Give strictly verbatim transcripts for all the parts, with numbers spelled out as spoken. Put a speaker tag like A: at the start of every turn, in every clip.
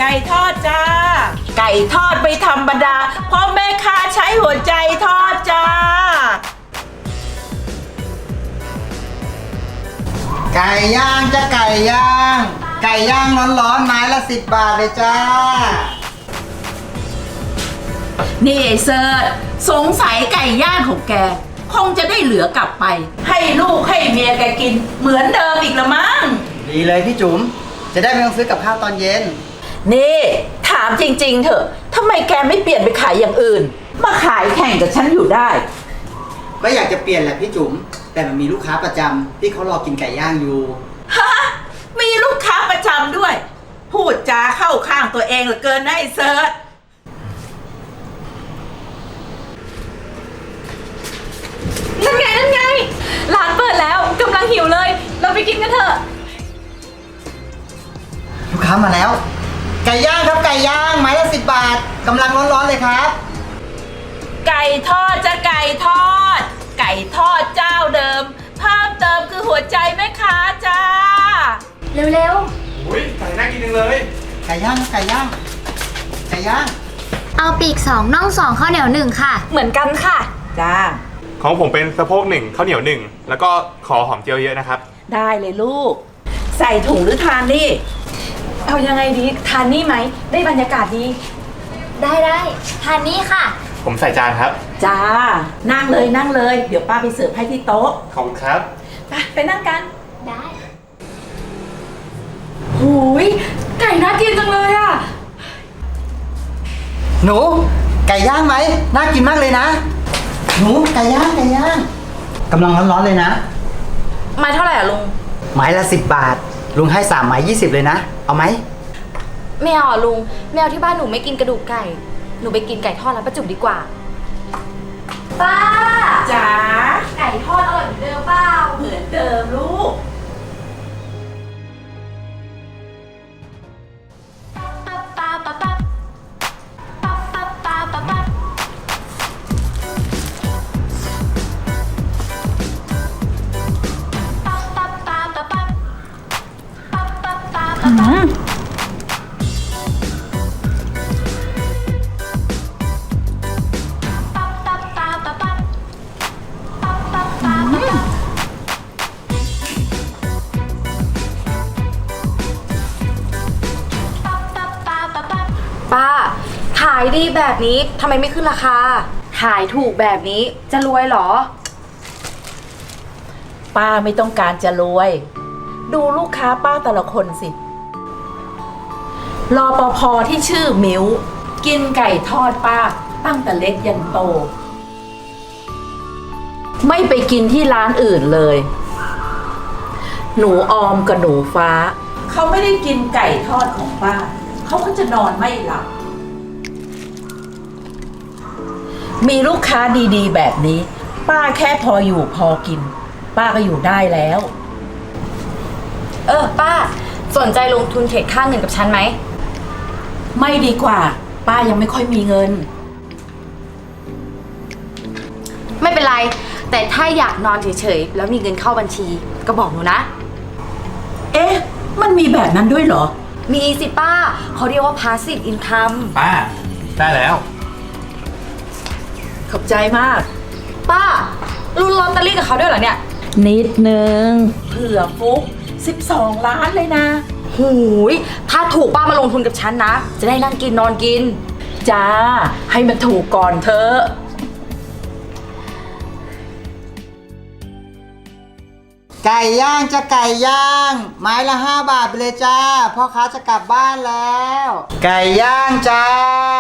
A: ก่ทอดจ้าไก่ทอดไม่ธรรมดาเพราะแม่ค้าใช้หัวใจทอดจ้า
B: ไก่ย่างจะไก่ย่างไก่ย่างร้อนๆไม้ละสิบบาทเลยจ้า
A: นี่ไอ้เซิร์ชสงสัยไก่ย่างของแกคงจะได้เหลือกลับไปให้ลูกให้เมียแกกินเหมือนเดิมอีกละมั้ง
B: ดีเลยพี่จุ๋มจะได้ไม่ต้องซื้อกับข้าวตอนเย็น
A: นี่ถามจริงๆเถอะทำไมแกไม่เปลี่ยนไปขายอย่างอื่นมาขายแข่งกับฉันอยู่ได้
B: ก็อยากจะเปลี่ยนแหละพี่จุ๋มแต่มันมีลูกค้าประจำที่เขารอกินไก่ย่างอยู่
A: ฮะมีลูกค้าประจำด้วยพูดจาเข้าข้างตัวเองเหลือเกินนะไอ้เซิร์ช
C: นั่นไงนั่นไงร้านเปิดแล้วกำลังหิวเลยเราไปกินกันเถอะ
B: ลูกค้ามาแล้วไก่ย่างครับไก่ย่างไม้ละสิบบาทกำลังร้อนๆเลยครับ
A: ไก่ทอดจะไก่ทอดไก่ทอดเจ้าเดิมเพิ่มเติมคือหัวใจแม่ค้าจ้า
C: เร็ว
D: ๆอุ้ยไก่น่ากินจังเลย
B: ไก่ย่างไก่ย่างไก่ย่าง
E: เอาปีกสองน่องสองข้าวเหนียวหนึ่งค่ะ
C: เหมือนกันค่ะ
A: จ้า
D: ของผมเป็นสะโพกหนึ่งข้าวเหนียวหนึ่งแล้วก็ขอหอมเจียวเยอะนะครับ
A: ได้เลยลูกใส่ถุงหรือทานนี่
C: เอายังไงดีทานนี่ไหมได้บรรยากาศดี
E: ได้ได้ทานนี่ค่ะ
D: ผมใส่จานครับ
A: จ้านั่งเลยนั่งเลยเดี๋ยวป้าไปเสิร์ฟให้ที่โต๊ะ
D: ขอบคุณครับ
A: ไปไปนั่งกัน
E: ได้
C: หูยไก่น่ากินจังเลยอ่ะ
B: หนูไก่ย่างไหมน่ากินมากเลยนะหนูไก่ย่างไก่ย่างกำลังร้อนๆเลยนะ
C: ไม้เท่าไหร่อะลุง
B: ไม้ละสิบบาทลุงให้สามไม้ยี่สิบเลยนะเอาไหม
C: ไม่เอาอะลุงแมวที่บ้านหนูไม่กินกระดูกไก่หนูไปกินไก่ทอดร้านประจุดีกว่าป้า
A: จ๋า
C: ไก่ทอดอร่อยเหมือนเดิมเปล่า
A: เหมือนเดิมลูก
C: ป้าขายดีแบบนี้ทำไมไม่ขึ้นราคาขายถูกแบบนี้จะรวยเหรอ
A: ป้าไม่ต้องการจะรวยดูลูกค้าป้าแต่ละคนสิรปภ.ที่ชื่อมิวกินไก่ทอดป้าตั้งแต่เล็กยันโตไม่ไปกินที่ร้านอื่นเลยหนูออมกับหนูฟ้าเขาไม่ได้กินไก่ทอดของป้าเขาก็จะนอนไม่หลับมีลูกค้าดีๆแบบนี้ป้าแค่พออยู่พอกินป้าก็อยู่ได้แล้ว
C: เออป้าสนใจลงทุนเทรดค่าเงินกับฉันไหม
A: ไม่ดีกว่าป้ายังไม่ค่อยมีเงิน
C: ไม่เป็นไรแต่ถ้าอยากนอนเฉยๆแล้วมีเงินเข้าบัญชีก็บอกหนูนะ
A: เอ๊ะมันมีแบบนั้นด้วยเหรอ
C: มีสิป้าเขาเรียกว่า passive income
D: ป้าได้แล้ว
A: ขอบใจมาก
C: ป้าลุ้นลอตเตอรี่กับเขาด้วยเหรอเนี่ย
A: นิดนึงเผื่อฟุกสิบสองล้านเลยนะ
C: หูยถ้าถูกป้ามาลงทุนกับฉันนะจะได้นั่งกินนอนกิน
A: จ้าให้มันถูกก่อนเถอะ
B: ไก่ย่างจะไก่ย่างไม้ละห้าบาทไปเลยจ้าพ่อค้าจะกลับบ้านแล้วไก่ย่างจ้า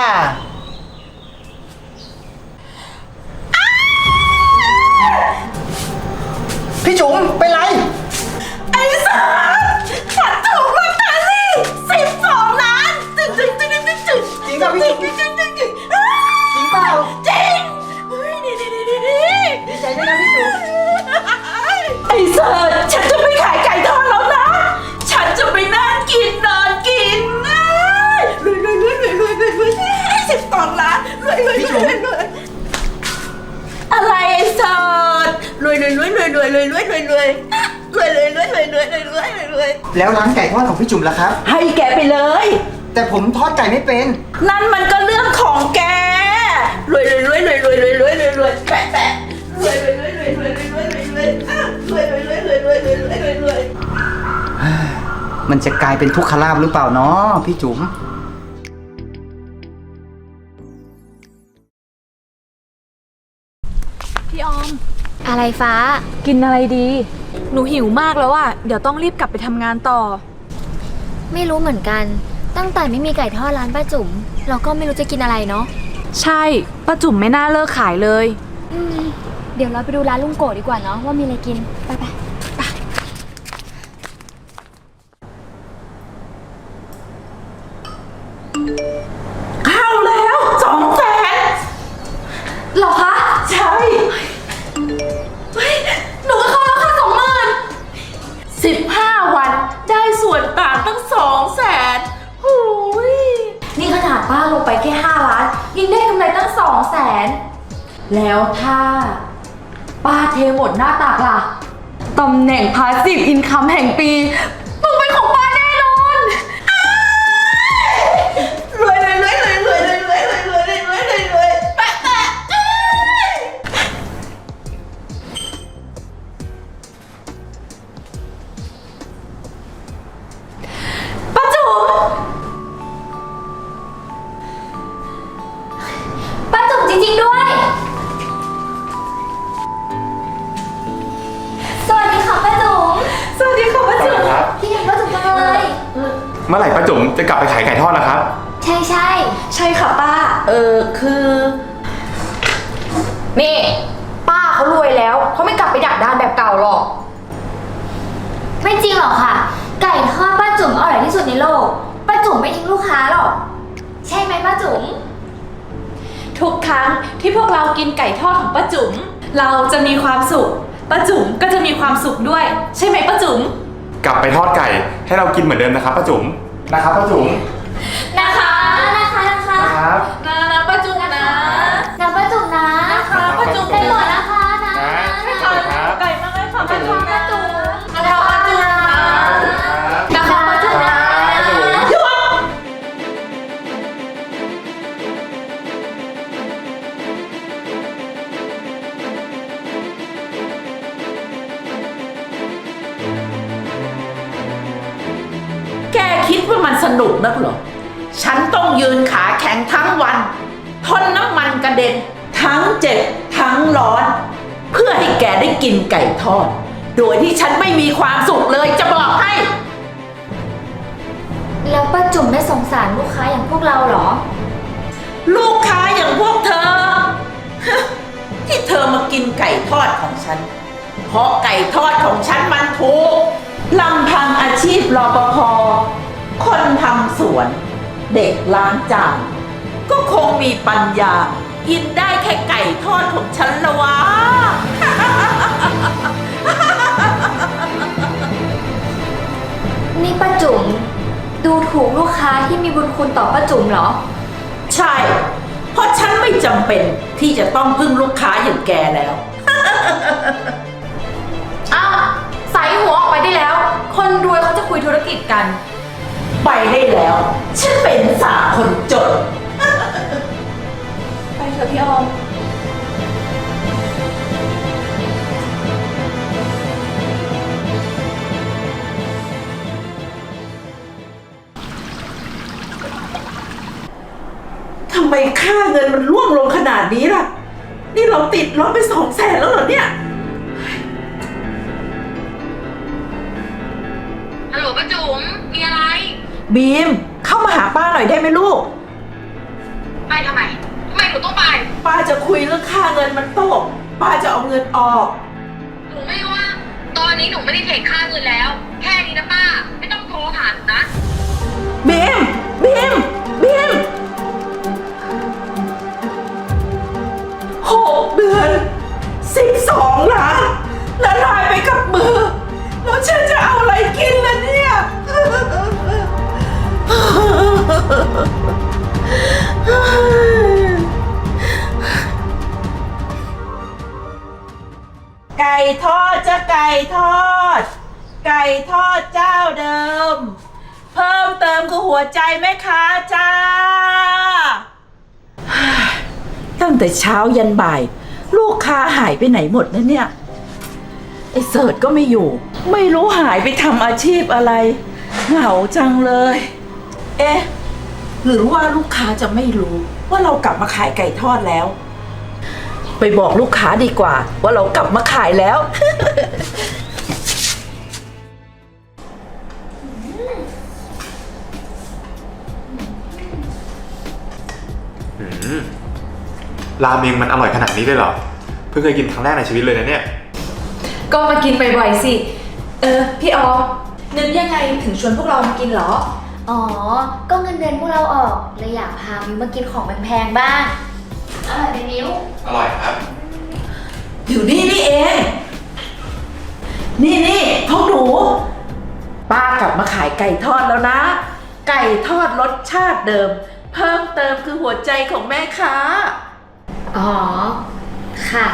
B: พี่จุ๋มเป็นไร
A: ไอ้สารฉันถูกลอตเตอรี่สิบสองล้านจึ๊งจึ๊งจึ๊งจึ๊งจึ๊งจึ๊ง
B: จริงป่ะพี่จุ๋มจริงเปล่า
A: จริงดีดีดีดีดี
B: ดีใจด้วยนะพี่จุ๋ม
A: ไอ้เสิร์ชฉันจะไม่ขายไก่ทอดแล้วนะฉันจะไปนั่งกินนอนกินรวยรวยรวยรวยรวยรวยรวยสิบสองล้านรวยรวยรวยรวยอะไรไอ้เสิร์ชรวยรวยรวยรวยรวยรวยรวยรวยรวยรวยรวยรวยรวยรวยรวยรวยรวย
B: แล้วร้านไก่ทอดของพี่จุ๋มล่ะครับ
A: ให้แกไปเลย
B: แต่ผมทอดไก่ไม่เป็น
A: นั่นมันก็เรื่องของแกรวยรวยรวยรวยรวยรวยรวยรวยรวยแปะแปะรวยรวยรวยรวยรวยรวยรวยรวยรวยอ่ะรวยรวยรวยรวยรวยรวยรวยรวยรวย
B: มันจะกลายเป็นทุกขลาภหรือเปล่าเนาะพี่จุ๋ม
C: พี่ออม
E: อะไรฟ้า
C: กินอะไรดี หนูหิวมากแล้วอะเดี๋ยวต้องรีบกลับไปทำงานต่อ
E: ไม่รู้เหมือนกัน ตั้งแต่ไม่มีไก่ทอดร้านป้าจุ๋มเราก็ไม่รู้จะกินอะไรเนาะ
C: ใช่ป้าจุ๋มไม่น่าเลิกขายเลย
E: อืมเดี๋ยวเราไปดูร้านลุงโกะดีกว่าเนาะว่ามีอะไรกิน ไปไป
A: เข้าแล้วสองแสน
C: หรอคะ
A: ใช่
C: เฮ้ยหนูก็เข้าแล้วค่ะสองหมื่น
A: สิบห้าวันได้ส่วนต่างตั้งสองแสนหูย
C: นี่ขนาดป้าลงไปแค่ห้าล้านยังได้กำไรตั้งสองแสนแล้วถ้าป้าเทหมดหน้าตากล่ะตำแหน่งพาสซีฟอินคัมแห่งปีต้องเป็นของป้าแน่นอน
A: รวยรวยรวยรวยรวยรวยรวยรวยรวยรวยรวยรวยรวยแปะแปะเอ้ยป้าจุ๋ม
E: ป้าจุ๋มจริงๆด้วย สวัสดีค่ะป้าจุ๋ม
A: สวัสดีค่ะป้าจุ๋ม
D: ครับ
E: พี่เห็นป้าจุ๋มจังเลย
D: เมื่อไหร่ป้าจุ๋มจะกลับไปขายไก่ทอดล่ะครับ
E: ใช่ใช่
A: ใช่ค่ะป้า เออคือ
C: นี่ป้าเขารวยแล้วเขาไม่กลับไปดักดานแบบเก่าหรอก
E: ไม่จริงหรอกค่ะ ไก่ทอดป้าจุ๋มอร่อยที่สุดในโลก ป้าจุ๋มไม่ทิ้งลูกค้าหรอก ใช่ไหมป้าจุ๋ม
A: ทุกครั้งที่พวกเรากินไก่ทอดของป้าจุ๋มเราจะมีความสุขป้าจุ๋มก็จะมีความสุขด้วย ใช่ไหมป้าจุ๋ม
D: กลับไปทอดไก่ให้เรากินเหมือนเดิมนะครับป้าจุ๋มนะครับป้าจุ๋ม
E: นะคะนะคะนะคะ
D: นะครับ
A: นะนะป้าจุ๋มนะ
E: นะป้าจุ๋มนะ
A: นะคะป้าจุ๋ม
E: ได้หมดนะคะนะ
D: นะ
A: ค่ะไก่มากเลยค่ะป้าจุ๋ม
E: ป้าจุ๋ม
A: นะคะป้าจุ๋มนะนะคะป้าจุ๋มนะหยุดแกคิดว่ามันสนุกนักเหรอ ฉันต้องยืนขาแข็งทั้งวันทนน้ำมันกระเด็น ทั้งเจ็บทั้งร้อน เพื่อให้แกได้กินไก่ทอด โดยที่ฉันไม่มีความสุขเลยจะบอกให้
E: แล้วป้าจุ๋มไม่สงสารลูกค้าอย่างพวกเราเหรอ
A: ลูกค้าอย่างพวกเธอ ที่เธอมากินไก่ทอดของฉัน เพราะไก่ทอดของฉันมันถูกลำพังอาชีพรปภคนทำสวน เด็กล้างจานก็คงมีปัญญา กินได้แค่ไก่ทอดของฉันละวะ
E: นี่ป้าจุ๋มดูถูกลูกค้าที่มีบุญคุณต่อป้าจุ๋มเหรอ
A: ใช่ เพราะฉันไม่จำเป็นที่จะต้องพึ่งลูกค้าอย่างแกแล้ว
C: อ้าวใส่หัวออกไปได้แล้ว คนรวยเขาจะคุยธุรกิจกัน
A: ไปได้แล้ว ฉันเป็นสาวคนจน
C: ไปเถอะพี่ออม
A: ทำไมค่าเงินมันร่วงลงขนาดนี้ล่ะ นี่เราติดลบไปสองแสนแล้วเหรอเนี่ย
F: ฮัลโหลป้าจุ๋มมีอะไร
A: บีม เข้ามาหาป้าหน่อยได้ไหมลูก
F: ไปทำไม ทำไมหนูต้องไป
A: ป้าจะคุยเรื่องค่าเงินมันตก ป้าจะเอาเงินออก
F: หนูไม่ว่า ตอนนี้หนูไม่ได้เทรดค่าเงินแล้ว แค่นี้นะป้า ไม่ต้องโทรหาหนูนะ
A: บีม บีม บีมหกเดือนสิบสองล้านละลายไปกับมือ แล้วฉันจะเอาอะไรกินล่ะเนี่ย ไก่ทอดจะไก่ทอด ไก่ทอดเจ้าเดิมเพิ่มเติมคือหัวใจแม่ค้าจ้า ตั้งแต่เช้ายันบ่าย ลูกค้าหายไปไหนหมดนะเนี่ยไอ้เสิร์ชก็ไม่อยู่ ไม่รู้หายไปทำอาชีพอะไรเหงาจังเลย เอ๊ะหรือว่าลูกค้าจะไม่รู้ว่าเรากลับมาขายไก่ทอดแล้ว ไปบอกลูกค้าดีกว่าว่าเรากลับมาขายแล้ว
D: อืมราเมงมันอร่อยขนาดนี้เลยเหรอ เพิ่งเคยกินครั้งแรกในชีวิตเลยนะเนี่ย
C: ก็มากินบ่อยๆสิ เออ พี่ออมนึกยังไงถึงชวนพวกเรามากินเหรอ
E: อ๋อ ก็เงินเดือนพวกเราออกเลยอยากพามิวมากินของแพงๆบ้างอร่อยไหมมิว
D: อร่อยครับ
A: อยู่นี่นี่เอง นี่นี่พวกหนูป้ากลับมาขายไก่ทอดแล้วนะ ไก่ทอดรสชาติเดิม เพิ่มเติมคือหัวใจของแม่ค้า
E: อ๋อ ค่ะ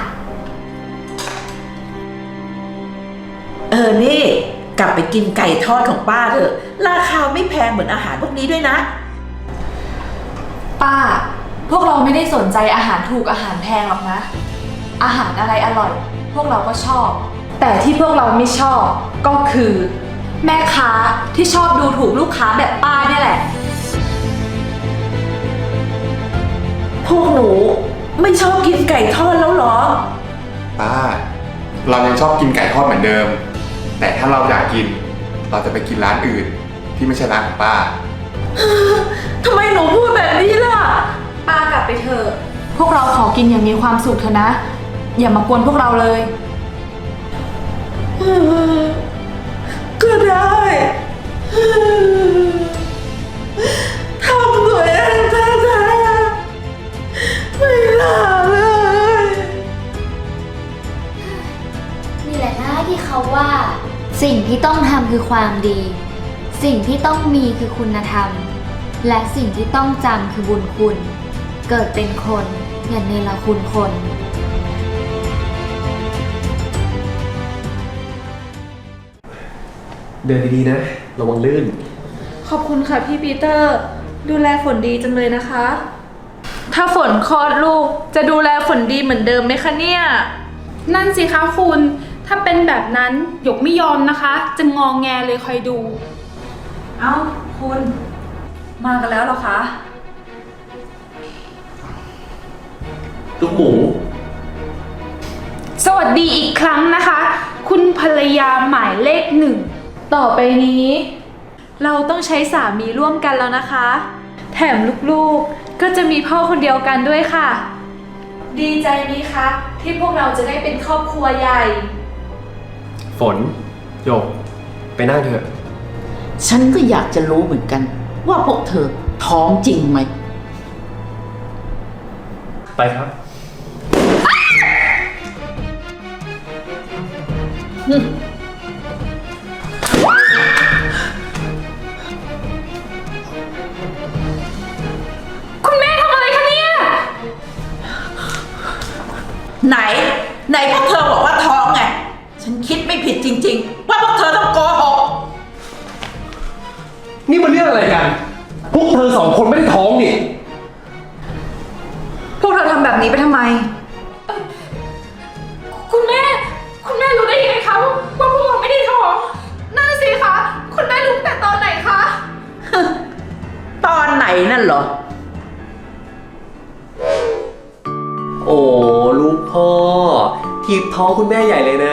A: เออนี่กลับไปกินไก่ทอดของป้าเถอะราคาไม่แพงเหมือนอาหารพวกนี้ด้วยนะ
C: ป้า พวกเราไม่ได้สนใจอาหารถูกอาหารแพงหรอกนะ อาหารอะไรอร่อย พวกเราก็ชอบ แต่ที่พวกเราไม่ชอบก็คือ แม่ค้าที่ชอบดูถูกลูกค้าแบบป้าเนี่ยแหละ
A: พวกหนูไม่ชอบกินไก่ทอดแล้วเหรอ
D: ป้า เรายังชอบกินไก่ทอดเหมือนเดิม แต่ถ้าเราอยากกิน เราจะไปกินร้านอื่น ที่ไม่ใช่ร้านของป้า
A: ทำไมหนูพูดแบบนี้ล่ะ
C: ป้ากลับไปเถอะ พวกเราขอกินอย่างมีความสุขเถอะนะ อย่ามากวนพวกเราเลย
A: ก็ได้ทำตัวเองแท้ๆไม่น่าเลย
E: นี่แหละนะที่เขาว่า สิ่งที่ต้องทำคือความดี สิ่งที่ต้องมีคือคุณธรรม และสิ่งที่ต้องจำคือบุญคุณ เกิดเป็นคนอย่าเนรคุณคน
G: เดินดีๆนะ ระวังลื่น
C: ขอบคุณค่ะพี่ปีเตอร์ ดูแลฝนดีจังเลยนะคะ ถ้าฝนคลอดลูกจะดูแลฝนดีเหมือนเดิมไหมคะเนี่ย
H: นั่นสิคะคุณ ถ้าเป็นแบบนั้นหยกไม่ยอมนะคะ จะงองแงเลยคอยดู
C: เอ้าคุณ มากันแล้วเหรอคะ
G: ลูกหมู
H: สวัสดีอีกครั้งนะคะ คุณภรรยาหมายเลขหนึ่ง
C: ต่อไปนี้ เราต้องใช้สามีร่วมกันแล้วนะคะ แถมลูกๆก็จะมีพ่อคนเดียวกันด้วยค่ะ ดีใจไหมคะที่พวกเราจะได้เป็นครอบครัวใหญ่
G: ฝนโยก ไปนั่งเถอะ
A: ฉันก็อยากจะรู้เหมือนกัน ว่าพวกเธอท้องจริงไหม
G: ไปครับ
H: คุณแม่ทำอะไรคะเนี่ย
A: ไหน ไหนพวกเธอบอกว่าท้องไง ฉันคิดไม่ผิดจริงๆ ว่าพวกเธอต้องโกหก
G: นี่มันเรื่องอะไรกัน พวกเธอสองคนไม่ได้ท้องนี่
C: พวกเธอทำแบบนี้ไปทำไม
H: คุณแม่ คุณแม่รู้ได้ยังไงคะว่าว่าพวกเราไม่ได้ท้อง นั่นสิคะ คุณแม่รู้แต่ตอนไหนคะ
A: ตอนไหนนั่นเหรอ
G: โอ้ลูกพ่อ ทีบท้องคุณแม่ใหญ่เลยนะ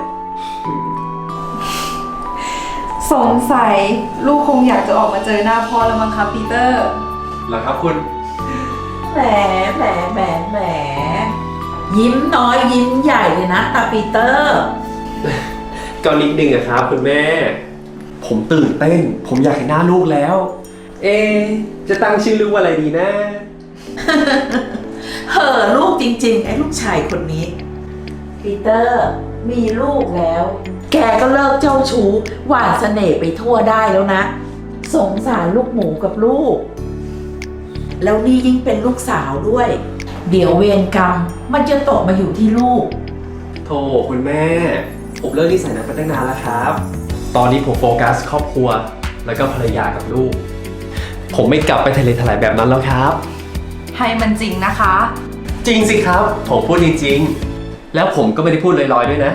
C: สงสัยลูกคงอยากจะออกมาเจอหน้าพ่อแล้วมั้งคะปีเตอร์
G: เหรอครับคุณ
A: แหมแหมแหมแหมยิ้มน้อยยิ้มใหญ่เลยนะตาปีเตอร์
G: ก็นิดนึงอะครับคุณแม่ ผมตื่นเต้น ผมอยากเห็นหน้าลูกแล้ว เอะจะตั้งชื่อลูกว่าอะไรดีนะ
A: เห่อลูกจริงๆ ไอ้ลูกชายคนนี้ ปีเตอร์มีลูกแล้ว แกก็เลิกเจ้าชู้หวานเสน่ห์ไปทั่วได้แล้วนะ สงสารลูกหมูกับลูก แล้วนี่ยิ่งเป็นลูกสาวด้วย เดี๋ยวเวรกรรมมันจะตกมาอยู่ที่ลูก
G: โธ่คุณแม่ ผมเลิกนิสัยนั้นไปตั้งนานแล้วครับ ตอนนี้ผมโฟกัสครอบครัวแล้วก็ภรรยากับลูก ผมไม่กลับไปทะเลทลายแบบนั้นแล้วครับ
C: ให้มันจริงนะคะ
G: จริงสิครับ ผมพูดจริงๆ แล้วผมก็ไม่ได้พูดลอยๆด้วยนะ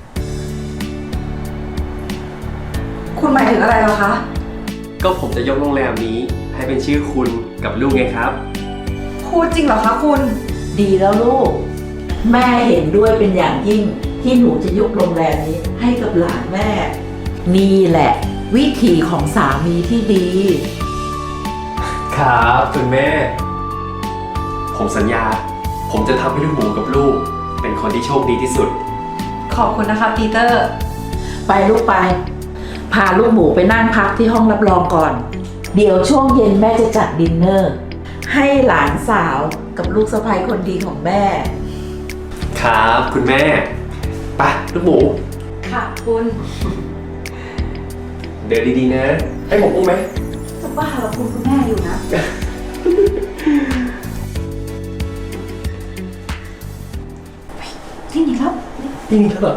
C: คุณหมายถึงอะไรเหรอคะ
G: ก็ผมจะยกโรงแรมนี้ให้เป็นชื่อคุณกับลูกไงครับ
C: พูดจริงเหรอคะคุณ
A: ดีแล้วลูก แม่เห็นด้วยเป็นอย่างยิ่งที่หนูจะยกโรงแรมนี้ให้กับหลานแม่ นี่แหละ วิธีของสามีที่ดี
G: ครับคุณแม่ ผมสัญญา ผมจะทำให้ลูกหมูกับลูก เป็นคนที่โชคดีที่สุด
C: ขอบคุณนะคะปีเตอร์
A: ไปลูกไป พาลูกหมูไปนั่งพักที่ห้องรับรองก่อน เดี๋ยวช่วงเย็นแม่จะจัดดินเนอร์ ให้หลานสาวกับลูกสะใภ้คนดีของแม่
G: ครับคุณแม่ไปลูกหมู
C: ค่ะคุณ
G: เดินดีๆนะ ให้ผมอุ้มไหม
C: จะบ้าเหรอคุณคุณแม่อยู่นะ ที่นี่ครับ
G: จริงครับ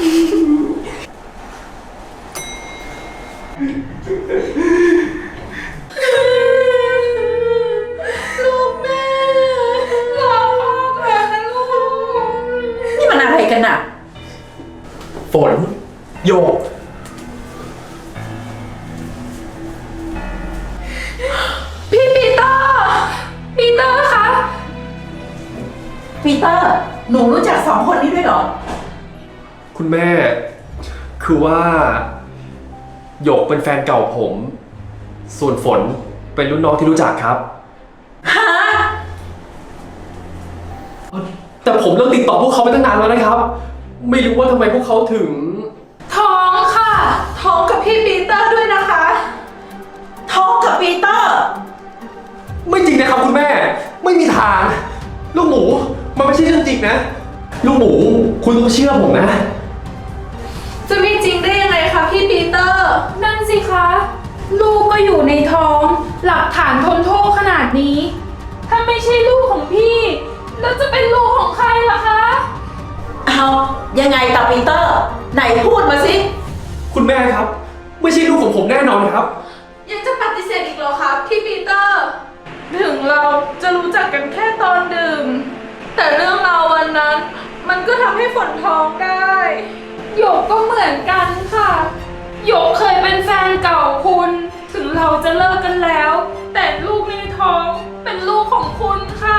A: ลูกแม่รักมากเลยนะลูก นี่มันอะไรกันอะ
G: ฝนโยก
H: พี่ปีเตอร์ ปีเตอร์คะ
A: ปีเตอร์ หนูรู้จักสองคนนี้ด้วยเหรอ
G: คุณแม่ คือว่าโยกเป็นแฟนเก่าผม ส่วนฝนเป็นรุ่นน้องที่รู้จักครับ
A: ฮะ
G: แต่ผมเลิกติดต่อพวกเขาไปตั้งนานแล้วนะครับ ไม่รู้ว่าทำไมพวกเขาถึง
H: ท้องค่ะ ท้องกับพี่ปีเตอร์ด้วยนะคะ
A: ท้องกับปีเตอร์
G: ไม่จริงนะครับคุณแม่ ไม่มีทาง ลูกหมูมันไม่ใช่เรื่องจริงนะ ลูกหมูคุณต้องเชื่อผมนะ
H: จะไม่จริงได้ยังไงคะพี่ปีเตอร์ นั่นสิคะ ลูกก็อยู่ในท้อง หลักฐานทนโทษขนาดนี้ ถ้าไม่ใช่ลูกของพี่ แล้วจะเป็นลูกของใครล่ะคะ
A: เอายังไงกับปีเตอร์ ไหนพูดมาสิ
G: คุณแม่ครับ ไม่ใช่ลูกของผมแน่นอนครับ
H: ยังจะปฏิเสธอีกเหรอคะพี่ปีเตอร์ ถึงเราจะรู้จักกันแค่ตอนดื่ม แต่เรื่องราววันนั้น มันก็ทำให้ฝนท้องได้หยกก็เหมือนกันค่ะหยกเคยเป็นแฟนเก่าคุณ ถึงเราจะเลิกกันแล้ว แต่ลูกในท้องเป็นลูกของคุณค่ะ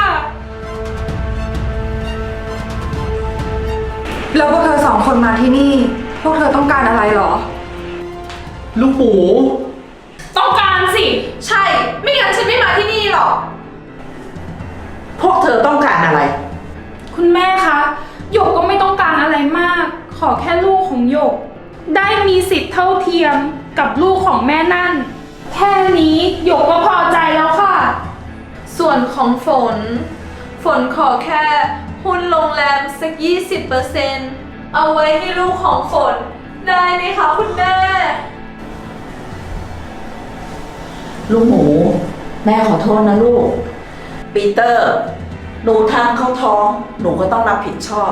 C: แล้วพวกเธอสองคนมาที่นี่ พวกเธอต้องการอะไรเหรอ
G: ลูกหมู
H: ต้องการสิ ใช่ ไม่งั้นฉันไม่มาที่นี่หรอก
A: พวกเธอต้องการอะไร
H: คุณแม่คะหยกก็ไม่ต้องการอะไรมาก ขอแค่ลูกของหยก ได้มีสิทธิ์เท่าเทียมกับลูกของแม่นั่น แค่นี้หยกก็พอใจแล้วค่ะ ส่วนของฝน ฝนขอแค่หุ้นโรงแรมสัก ยี่สิบเปอร์เซ็นต์ เอาไว้ให้ลูกของฝน ได้ไหมคะคุณแม่
A: ลูกหมู แม่ขอโทษนะลูก ปีเตอร์ หนูทำเข้าท้อง หนูก็ต้องรับผิดชอบ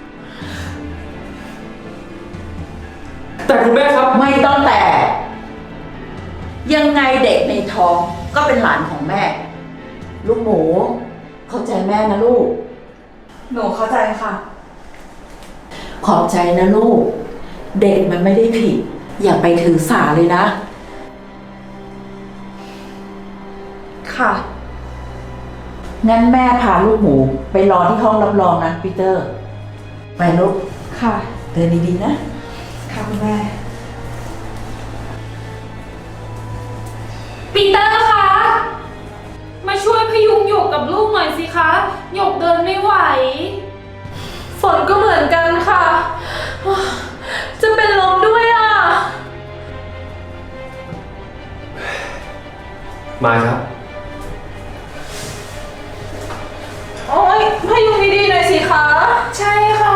G: แต่คุณแม่ครับ
A: ไม่ต้องแต่ ยังไงเด็กในท้องก็เป็นหลานของแม่ ลูกหมู เข้าใจแม่นะลูก
C: หนูเข้าใจค่ะ
A: ขอบใจนะลูก เด็กมันไม่ได้ผิด อย่าไปถือสาเลยนะ
C: ค่ะ
A: งั้นแม่พาลูกหมูไปรอที่ห้องรับรองนะปีเตอร์ ไปลูก
C: ค่ะ
A: เดินดีๆนะ
C: ค่ะคุณแม่
H: ปีเตอร์คะ มาช่วยพยุงหยกกับลูกหน่อยสิคะหยกเดินไม่ไหว ฝนก็เหมือนกันค่ะ จะเป็นลมด้วยอ่ะ
G: มาครับ
H: โอ๊ยพยุงดีๆหน่อยสิคะ ใช่ค่ะ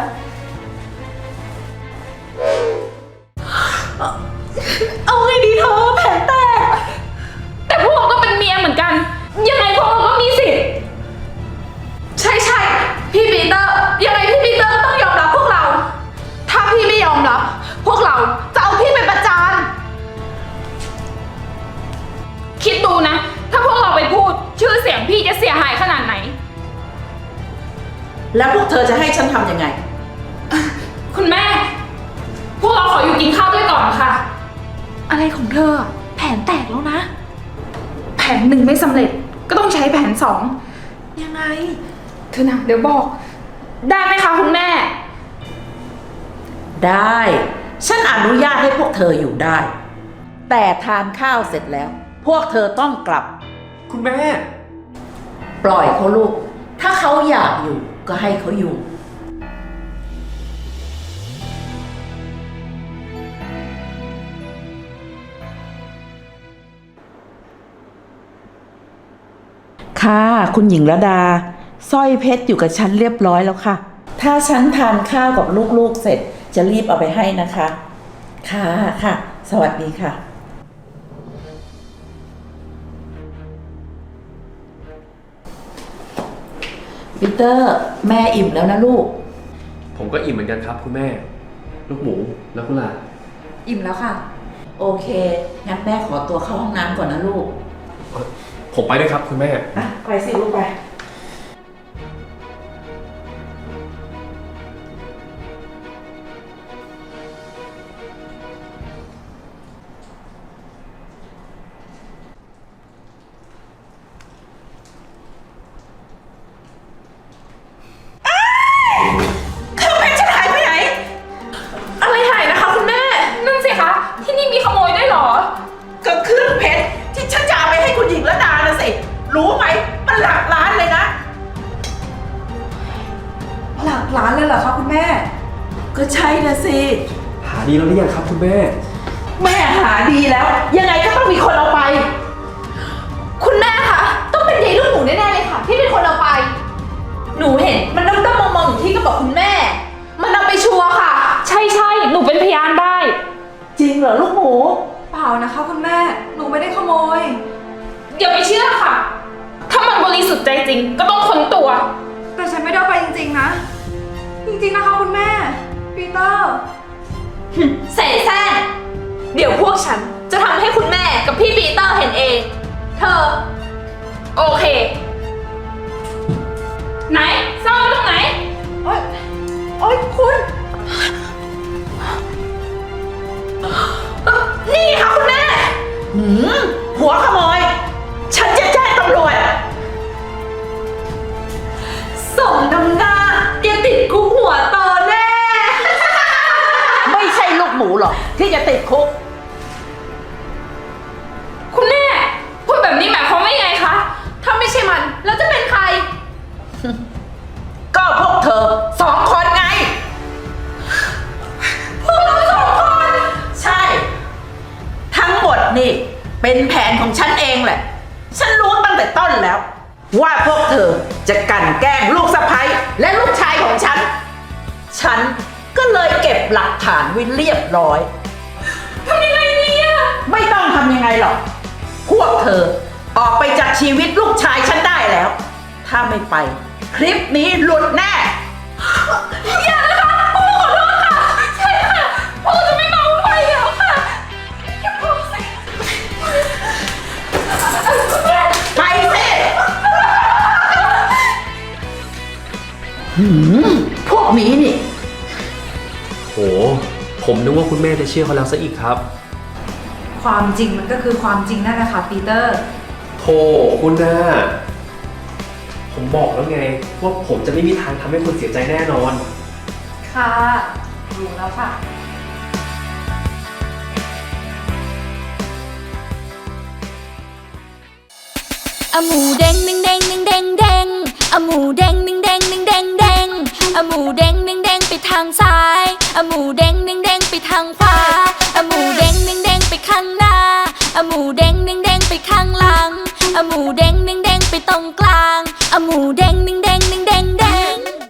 H: เอาไงดีเธอแผลแตก แต่พวกเราก็เป็นเมียเหมือนกัน ยังไงพวกเราก็มีสิทธิ์ ใช่ใช่พี่ปีเตอร์ ยังไงพี่ปีเตอร์ก็ต้องยอมรับพวกเรา ถ้าพี่ไม่ยอมรับ พวกเราจะเอาพี่ไปประจาน
A: แล้วพวกเธอจะให้ฉันทำยังไง
H: คุณแม่ พวกเราขออยู่กินข้าวด้วยก่อนค่ะ
C: อะไรของเธอ แผนแตกแล้วนะ
H: แผนหนึ่งไม่สำเร็จก็ต้องใช้แผนสอง
C: ยังไง
H: เธอนะเดี๋ยวบอก ได้ไหมคะคุณแม่
A: ได้ ฉันอนุญาตให้พวกเธออยู่ได้ แต่ทานข้าวเสร็จแล้ว พวกเธอต้องกลับ
G: คุณแม่
A: ปล่อยเขาลูก ถ้าเขาอยากอยู่ก็ให้เขาอยู่ ค่ะ คุณหญิงระดาสร้อยเพชรอยู่กับฉันเรียบร้อยแล้วค่ะ ถ้าฉันทานข้าวกับลูกๆเสร็จจะรีบเอาไปให้นะคะ ค่ะค่ะ สวัสดีค่ะ ปีเตอร์ แม่อิ่มแล้วนะลูก
G: ผมก็อิ่มเหมือนกันครับคุณแม่ ลูกหมูแล้วคุณล่ะ
C: อิ่มแล้วค่ะ
A: โอเค งั้นแม่ขอตัวเข้าห้องน้ำก่อนนะลูก
G: ผมไปด้วยครับคุณแม่
A: อ่ะ ไปสิลูกไป
H: อะไรหายนะคะคุณแม่ นั่นสิคะ ที่นี่มีขโมยด้วยเหรอ
A: ก็เครื่องเพชรที่ฉันจะเอาไปให้คุณหญิงระดานะสิ รู้ไหม มันหลักล้านเลยนะ
C: หลักล้านเลยเหรอคะคุณแม่
A: ก็ใช่นะสิ
G: หาดีแล้วหรือยังครับคุณแม่
A: แม่หาดีแล้ว ยังไงก็ต้องมีคนเอาไป
C: คุณแม่คะ ต้องเป็นยายลูกหมูแน่ๆเลยค่ะ ที่เป็นคนเอาไป หนูเห็นมันด้อมๆมองๆอยู่ที่กระเป๋าคุณแม่ มันเอาไปชัวร์ค่ะ
H: ใช่ใช่หนูเป็นพยานได้
A: จริงเหรอลูกหมู
C: เปล่านะคะคุณแม่ หนูไม่ได้ขโมย
H: อย่าไปเชื่อค่ะ ถ้ามันบริสุทธิ์ใจจริง ก็ต้องค้นตัว
C: แต่ฉันไม่ได้เอาไปจริงๆนะ จริงๆนะคะคุณแม่ ปีเตอร์ เสแสร้งเดี๋ยวพวกฉันจะทำให้คุณแม่กับพี่ปีเตอร์เห็นเอง เธอ
H: โอเค ไหนซ่อนไว้ตรงไหน
C: โอ๊ย โอ๊ยคุณ
A: นี่ค่ะคุณแม่ หืม หัวขโมย ฉันจะแจ้งตำรวจ
C: สมน้ำหน้าเดี๋ยวติดคุกหัวโตแน่
A: ไม่ใช่ลูกหมูหรอกที่จะติดคุก
H: คุณแม่ พูดแบบนี้หมายความว่ายังไงคะ
C: ถ้าไม่ใช่มัน แล้วจะเป็นใคร
A: ก็พวกเธอสองคนไง พวกเราสองคน ใช่ ทั้งหมดนี่เป็นแผนของฉันเองแหละ ฉันรู้ตั้งแต่ต้นแล้ว ว่าพวกเธอจะกลั่นแกล้งลูกสะใภ้และลูกชายของฉัน ฉันก็เลยเก็บหลักฐานไว้เรียบร้อย
H: ทำยังไงเนี่ย
A: ไม่ต้องทำยังไงหรอก พวกเธอออกไปจากชีวิตลูกชายฉันได้แล้ว ถ้าไม่ไป คลิปนี้หลุดแน่
H: อย่านะคะพวกเราขอโทษค่ะ ใช่ค่ะพวกเราจะไม่เมาไปแล้วค่ะอย่าพูดสิ
A: ไปสิหืมพวกนี้นี่
G: โห ผมนึกว่าคุณแม่จะเชื่อเขาแล้วซะอีกครับ
C: ความจริงมันก็คือความจริงนั่นแหละค่ะปีเตอร์
G: โธ่คุณน่าผมบอกแล้วไง ว่าผมจะไม่มีทางทำให้คุณเสียใจแน่นอน
C: ค่ะ รู้แล้วค่ะ
E: อะหมูเด้งหนึ่งเด้งหนึ่งเด้งเด้งอะหมูเด้งหนึ่งเด้งหนึ่งเด้งเด้งอะหมูเด้งหนึ่งเด้งไปทางซ้ายอะหมูเด้งหนึ่งเด้งไปทางขวาอะหมูเด้งหนึ่งเด้งไปข้างหน้าอะหมูเด้งหนึ่งเด้งไปข้างหลังอะหมูเด้งหนึ่งเด้งไปตรงกลางอะหมูเด้ง